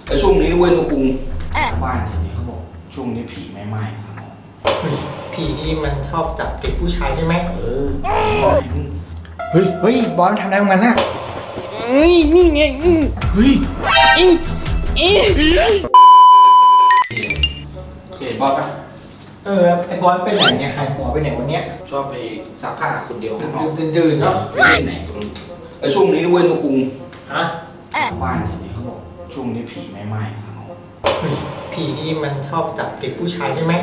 แต่ช่วงนี้เว้ยนุคุงบ้านอย่างนี้เขาบอกช่วงนี้ผีไม่ไหม้ครับผีที่มันชอบจับติดผู้ชายใช่ไหมเฮ้ยบอลทำอะไรของมันน่ะนี่ไงเฮ้ยเอ๊ะเห็นบอสปะไอ้บอลไปไหนเนี่ยหายหัวไปไหนวันเนี้ยชอบไปซักผ้าคนเดียวข้างนอกดื่นๆเนาะไปเล่นไหนแต่ช่วงนี้เว้ยนุคุงฮะบ้านอย่างนี้เขาบอกช่วงนี้ผีไม่ไหม้ครับผีที่มันชอบจับติดผู้ชายใช่ไหม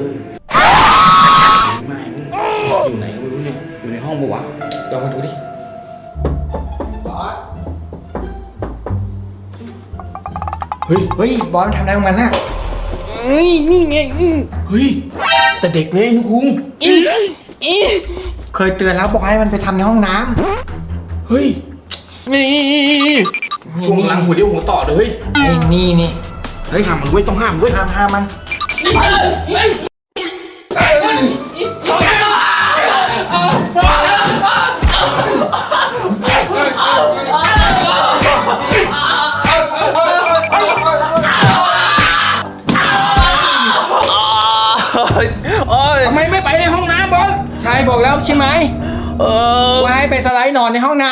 ไม่อยู่ไหนไม่รู้เนี่ยอยู่ในห้องปะวะลองมาดูดิบอสเฮ้ยบอลทำอะไรของมันน่ะนี่ไงเฮ้ยแต่เด็กเลยนุคุงเคยเตือนแล้วบอกให้มันไปทำในห้องน้เฮ้ยนี่ำช่วงหลังหัวเดียวหัวต่อเลยนี่เฮ้ยห้ามมันเว้ยต้องห้ามเว้ยห้ามมันทำไมไม่ไปในห้องน้ำบอลนายบอกแล้วใช่ไหมว่าให้ไปสไลด์นอนในห้องน้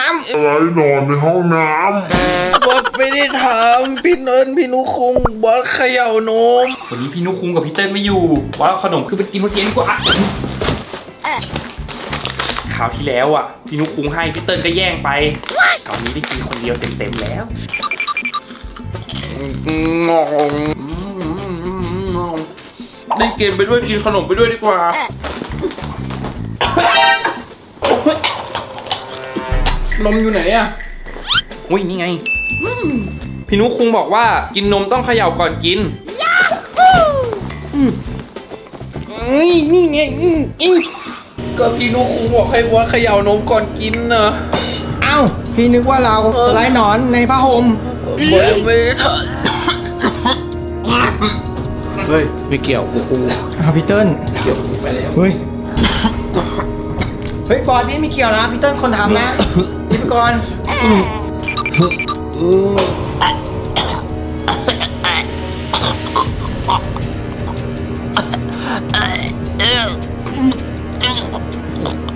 บอสไม่ได้ทำพี่เนินพี่นุคงบอสเขย่านมวันนี้พี่นุกคุงกับพี่เติ้ลไม่อยู่ว่าเอาขนมคือไปกินเมื่อกี้ดีกว่าคราวที่แล้วอ่ะพี่นุกคุงให้พี่เติ้ลก็แย่งไปคราวนี้ได้กินคนเดียวเต็มๆแล้วงงได้เกมไปด้วยกินขนมไปด้วยดีกว่า นมอยู่ไหนอะอุ้ยนี่ไงพี่นุกคุงบอกว่ากินนมต้องเขย่าก่อนกินนี่ไงก็พี่นุคงบอกให้บอสเขย่านมก่อนกินนะำเอ้าพี่นึกว่าเราสไลด์นอนในผ้าห่มบอสยังไม่ได้ทเฮ้ยไม่เกี่ยวกูพี่เติ้ลเกี่ยวไปแล้วเฮ้ยบอลพี่ไม่เกี่ยวนะพี่เติ้ลคนทำนะนี่ไปก่อนำ